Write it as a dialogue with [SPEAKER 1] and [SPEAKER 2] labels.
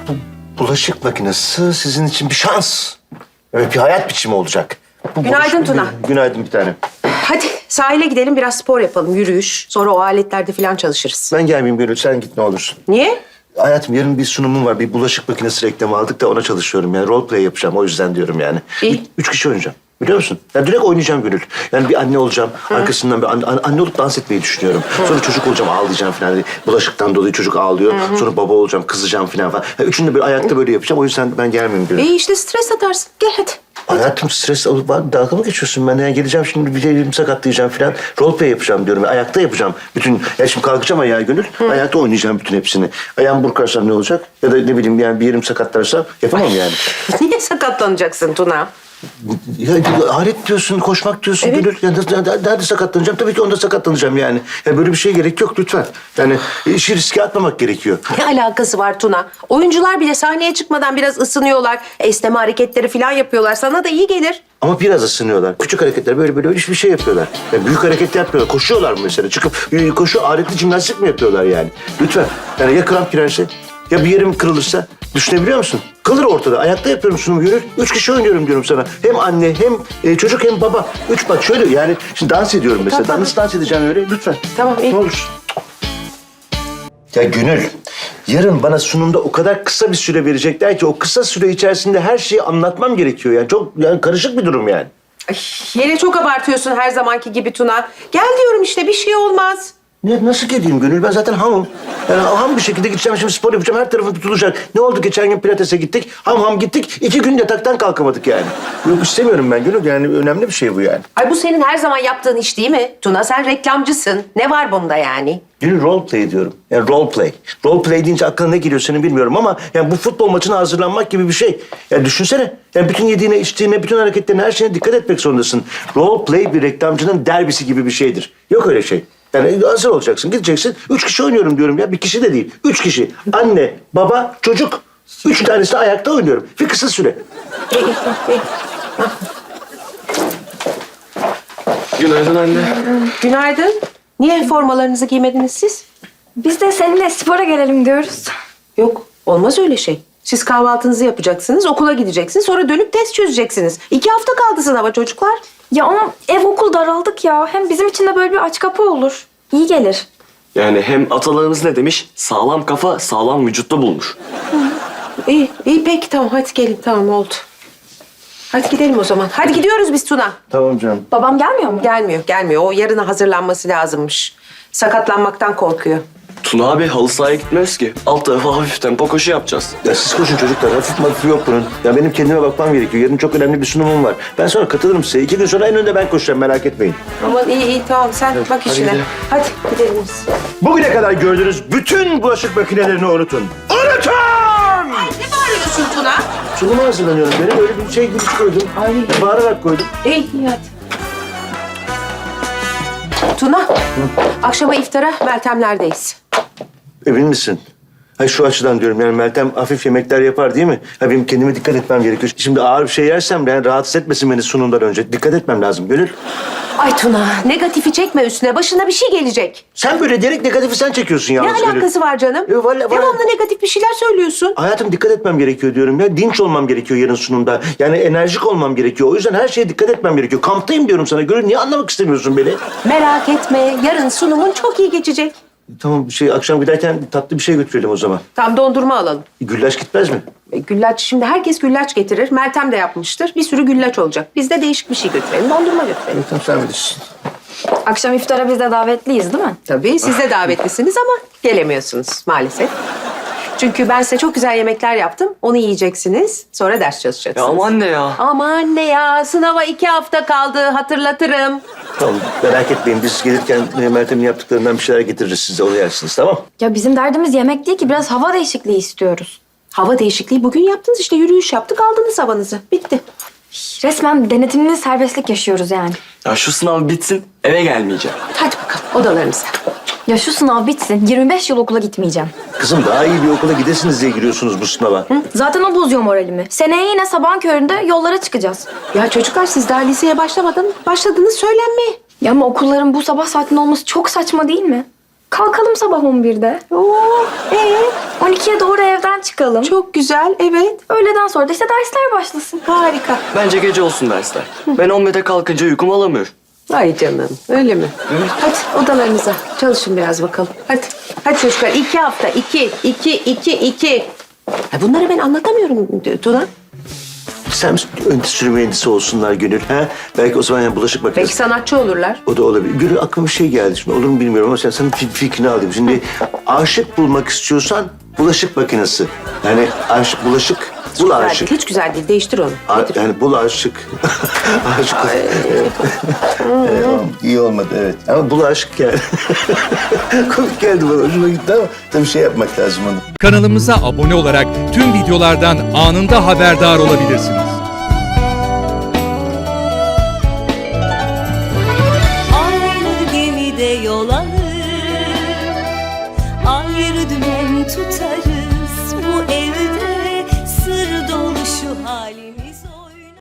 [SPEAKER 1] bu bulaşık makinesi sizin için bir şans. Evet, bir hayat biçimi olacak.
[SPEAKER 2] Günaydın Tuna.
[SPEAKER 1] Günaydın bir tanem.
[SPEAKER 2] Hadi sahile gidelim biraz spor yapalım, yürüyüş. Sonra o aletlerde falan çalışırız.
[SPEAKER 1] Ben gelmeyeyim Gönül, sen git ne olursun.
[SPEAKER 2] Niye?
[SPEAKER 1] Hayatım yarın bir sunumum var. Bir bulaşık makinesi reklamı aldık da ona çalışıyorum. Yani role play yapacağım, o yüzden diyorum yani.
[SPEAKER 2] İyi.
[SPEAKER 1] 3 kişi oynayacağım. Biliyor musun? Yani direkt oynayacağım Gönül. Yani bir anne olacağım. Arkasından bir anne olup dans etmeyi düşünüyorum. Sonra çocuk olacağım, ağlayacağım falan. Hani bulaşıktan dolayı çocuk ağlıyor. Sonra baba olacağım, kızacağım falan. Yani üçünü de böyle ayakta böyle yapacağım. O yüzden ben gelmeyeyim Gönül.
[SPEAKER 2] İyi işte stres atarsın. Gel hadi.
[SPEAKER 1] Hayatım stres alıp dalga mı geçiyorsun ben? Yani geleceğim şimdi bir yerimi sakatlayacağım falan. Role play yapacağım diyorum. Ayakta yapacağım. Bütün, ya şimdi kalkacağım ayağa Gönül. Ayakta oynayacağım bütün hepsini. Ayağımı burkarsam ne olacak? Ya da ne bileyim yani bir yerim sakatlarsam yapamam yani.
[SPEAKER 2] Niye sakatlanacaksın Tuna?
[SPEAKER 1] Ya alet diyorsun, koşmak diyorsun
[SPEAKER 2] Evet.
[SPEAKER 1] Gönül. Ya, nerede sakatlanacağım? Tabii ki onda sakatlanacağım yani. Ya böyle bir şeye gerek yok lütfen. Yani işi riske atmamak gerekiyor.
[SPEAKER 2] Ne alakası var Tuna? Oyuncular bile sahneye çıkmadan biraz ısınıyorlar. Esneme hareketleri falan yapıyorlar. Sana da iyi gelir.
[SPEAKER 1] Ama biraz ısınıyorlar. Küçük hareketler böyle hiçbir şey yapıyorlar. Ya büyük hareket yapmıyorlar. Koşuyorlar mı mesela? Çıkıp koşu aletli jimnastik mi yapıyorlar yani? Lütfen. Yani ya kramp girerse ya bir yerim kırılırsa düşünebiliyor musun? Kalır ortada. Ayakta yapıyorum sunumu Gönül. 3 kişi oynuyorum diyorum sana. Hem anne hem çocuk hem baba. 3 bak şöyle yani şimdi dans ediyorum mesela.
[SPEAKER 2] Tamam.
[SPEAKER 1] Nasıl dans edeceğim öyle? Lütfen.
[SPEAKER 2] Tamam, iyi.
[SPEAKER 1] Ne olursun. Ya Gönül, yarın bana sunumda o kadar kısa bir süre verecekler ki o kısa süre içerisinde her şeyi anlatmam gerekiyor. Yani çok karışık bir durum yani.
[SPEAKER 2] Ay, yine çok abartıyorsun her zamanki gibi Tuna. Gel diyorum işte bir şey olmaz.
[SPEAKER 1] Nasıl geleyim Gönül? Ben zaten hamım. Yani ham bir şekilde gideceğim şimdi spor yapacağım. Her tarafım tutulacak. Ne oldu? Geçen gün pilatese gittik. Ham gittik. 2 gün yataktan kalkamadık yani. Yok istemiyorum ben Gönül. Yani önemli bir şey bu yani.
[SPEAKER 2] Ay bu senin her zaman yaptığın iş değil mi? Tuna sen reklamcısın. Ne var bunda yani?
[SPEAKER 1] Gönül role play diyorum. Yani role play. Role play deyince aklına ne geliyor senin bilmiyorum ama yani bu futbol maçına hazırlanmak gibi bir şey. Yani düşünsene. Yani bütün yediğine, içtiğine, bütün hareketlerine, her şeyine dikkat etmek zorundasın. Role play bir reklamcının derbisi gibi bir şeydir. Yok öyle şey. Yani hazır olacaksın, gideceksin. 3 kişi oynuyorum diyorum ya. Bir kişi de değil. 3 kişi. Anne, baba, çocuk. 3 tanesi de ayakta oynuyorum. Bir kısa süre.
[SPEAKER 2] İyi.
[SPEAKER 3] Günaydın anne.
[SPEAKER 2] Günaydın. Niye formalarınızı giymediniz siz?
[SPEAKER 4] Biz de seninle spora gelelim diyoruz.
[SPEAKER 2] Yok, olmaz öyle şey. Siz kahvaltınızı yapacaksınız, okula gideceksiniz, sonra dönüp test çözeceksiniz. 2 hafta kaldı sınava çocuklar.
[SPEAKER 4] Ya ama ev okul daraldık ya. Hem bizim için de böyle bir aç kapı olur. İyi gelir.
[SPEAKER 3] Yani hem atalarımız ne demiş? Sağlam kafa sağlam vücutta bulmuş.
[SPEAKER 2] İyi peki tamam hadi gelin tamam oldu. Hadi gidelim o zaman. Hadi gidiyoruz biz Tuna.
[SPEAKER 1] Tamam canım.
[SPEAKER 4] Babam gelmiyor mu?
[SPEAKER 2] Gelmiyor. O yarına hazırlanması lazımmış. Sakatlanmaktan korkuyor.
[SPEAKER 3] Tuna abi halı sahaya gitmiyoruz ki. Alt tarafa hafif tempo koşu yapacağız.
[SPEAKER 1] Ya siz koşun çocuklar. Hafif yok bunun. Ya benim kendime bakmam gerekiyor. Yarın çok önemli bir sunumum var. Ben sonra katılırım size. 2 gün sonra en önde ben koşacağım. Merak etmeyin.
[SPEAKER 2] Aman iyi tamam sen bak işine.
[SPEAKER 3] gidelim.
[SPEAKER 2] Hadi gidelim biz.
[SPEAKER 1] Bugüne kadar gördüğünüz bütün bulaşık makinelerini unutun. Unutun!
[SPEAKER 2] Ne bağırıyorsun Tuna?
[SPEAKER 1] Sunuma hazırlanıyorum. Benim öyle bir şey gibi koydum.
[SPEAKER 2] Ay.
[SPEAKER 1] Bağırarak koydum.
[SPEAKER 2] İyi hadi. Tuna, akşama iftara Meltemler'deyiz.
[SPEAKER 1] Emin misin? Ha şu açıdan diyorum yani Meltem hafif yemekler yapar değil mi? Ha benim kendime dikkat etmem gerekiyor. Şimdi ağır bir şey yersem yani rahatsız etmesin beni sunumdan önce. Dikkat etmem lazım. Gönül.
[SPEAKER 2] Ay Tuna, negatifi çekme üstüne. Başına bir şey gelecek.
[SPEAKER 1] Sen böyle direkt negatifi sen çekiyorsun
[SPEAKER 2] Ne
[SPEAKER 1] yalnız Gönül.
[SPEAKER 2] alakası var canım?
[SPEAKER 1] Vallahi-
[SPEAKER 2] Devamlı negatif bir şeyler söylüyorsun.
[SPEAKER 1] Hayatım dikkat etmem gerekiyor diyorum ya. Dinç olmam gerekiyor yarın sunumda. Yani enerjik olmam gerekiyor. O yüzden her şeye dikkat etmem gerekiyor. Kamptayım diyorum sana. Gönül niye anlamak istemiyorsun beni?
[SPEAKER 2] Merak etme, yarın sunumun çok iyi geçecek.
[SPEAKER 1] Tamam akşam giderken tatlı bir şey götürelim o zaman.
[SPEAKER 2] Tam dondurma alalım.
[SPEAKER 1] Güllaç gitmez mi?
[SPEAKER 2] Güllaç, şimdi herkes güllaç getirir. Meltem de yapmıştır. Bir sürü güllaç olacak. Biz de değişik bir şey götürelim. Dondurma götürelim.
[SPEAKER 1] Tamam sen bilirsin.
[SPEAKER 4] Akşam iftara biz de davetliyiz değil mi?
[SPEAKER 2] Tabii siz de davetlisiniz ama gelemiyorsunuz maalesef. Çünkü ben size çok güzel yemekler yaptım. Onu yiyeceksiniz. Sonra ders
[SPEAKER 3] Ya
[SPEAKER 2] çalışacaksınız.
[SPEAKER 3] ama anne ya.
[SPEAKER 2] Ama anne ya, sınava 2 hafta kaldı. Hatırlatırım.
[SPEAKER 1] Tamam merak etmeyin. Biz gelirken Meltem'in yaptıklarından bir şeyler getiririz size. Onu yersiniz tamam?
[SPEAKER 4] Ya bizim derdimiz yemek değil ki. Biraz hava değişikliği istiyoruz.
[SPEAKER 2] Hava değişikliği bugün yaptınız işte. Yürüyüş yaptık, aldınız havanızı. Bitti.
[SPEAKER 4] Resmen denetimli serbestlik yaşıyoruz yani.
[SPEAKER 3] Ya şu sınav bitsin eve gelmeyeceğim.
[SPEAKER 2] Hadi bakalım odalarınıza.
[SPEAKER 4] Ya şu sınav bitsin. 25 yıl okula gitmeyeceğim.
[SPEAKER 1] Kızım daha iyi bir okula gidesiniz diye giriyorsunuz bu sınava.
[SPEAKER 4] Zaten o bozuyor moralimi. Seneye yine sabahın köründe yollara çıkacağız.
[SPEAKER 2] Ya çocuklar siz daha liseye başladınız söylenmeye.
[SPEAKER 4] Ya ama okulların bu sabah saatinde olması çok saçma değil mi? Kalkalım sabah 11'de.
[SPEAKER 2] Oo,
[SPEAKER 4] 12'ye doğru evden çıkalım.
[SPEAKER 2] çok güzel, evet.
[SPEAKER 4] Öğleden sonra da işte dersler başlasın.
[SPEAKER 2] Harika.
[SPEAKER 3] Bence gece olsun dersler. Ben 11'de kalkınca uykum alamıyor.
[SPEAKER 2] Ay canım, öyle mi? Hadi odalarınıza çalışın biraz bakalım. Hadi, hadi çocuklar. 2 hafta, 2. Bunları ben anlatamıyorum Tuna.
[SPEAKER 1] Sen endüstri mühendisi olsunlar Gönül. Ha? Belki o zaman yani bulaşık makinesi.
[SPEAKER 2] Belki sanatçı olurlar.
[SPEAKER 1] O da olabilir. Gönül aklıma bir şey geldi şimdi. Olur mu bilmiyorum ama senin fikrini alayım. Şimdi aşık bulmak istiyorsan bulaşık makinesi. Yani aşık, bulaşık, bul
[SPEAKER 2] Güzel
[SPEAKER 1] aşık.
[SPEAKER 2] değil, hiç güzel değil. Değiştir onu.
[SPEAKER 1] Yani bul aşık. Aşık. İyi olmadı evet. Ama bul aşık yani. Komik geldi bana. Hoşuma gitti ama tabii şey yapmak lazım onu.
[SPEAKER 5] Kanalımıza abone olarak tüm videolardan anında haberdar olabilirsiniz.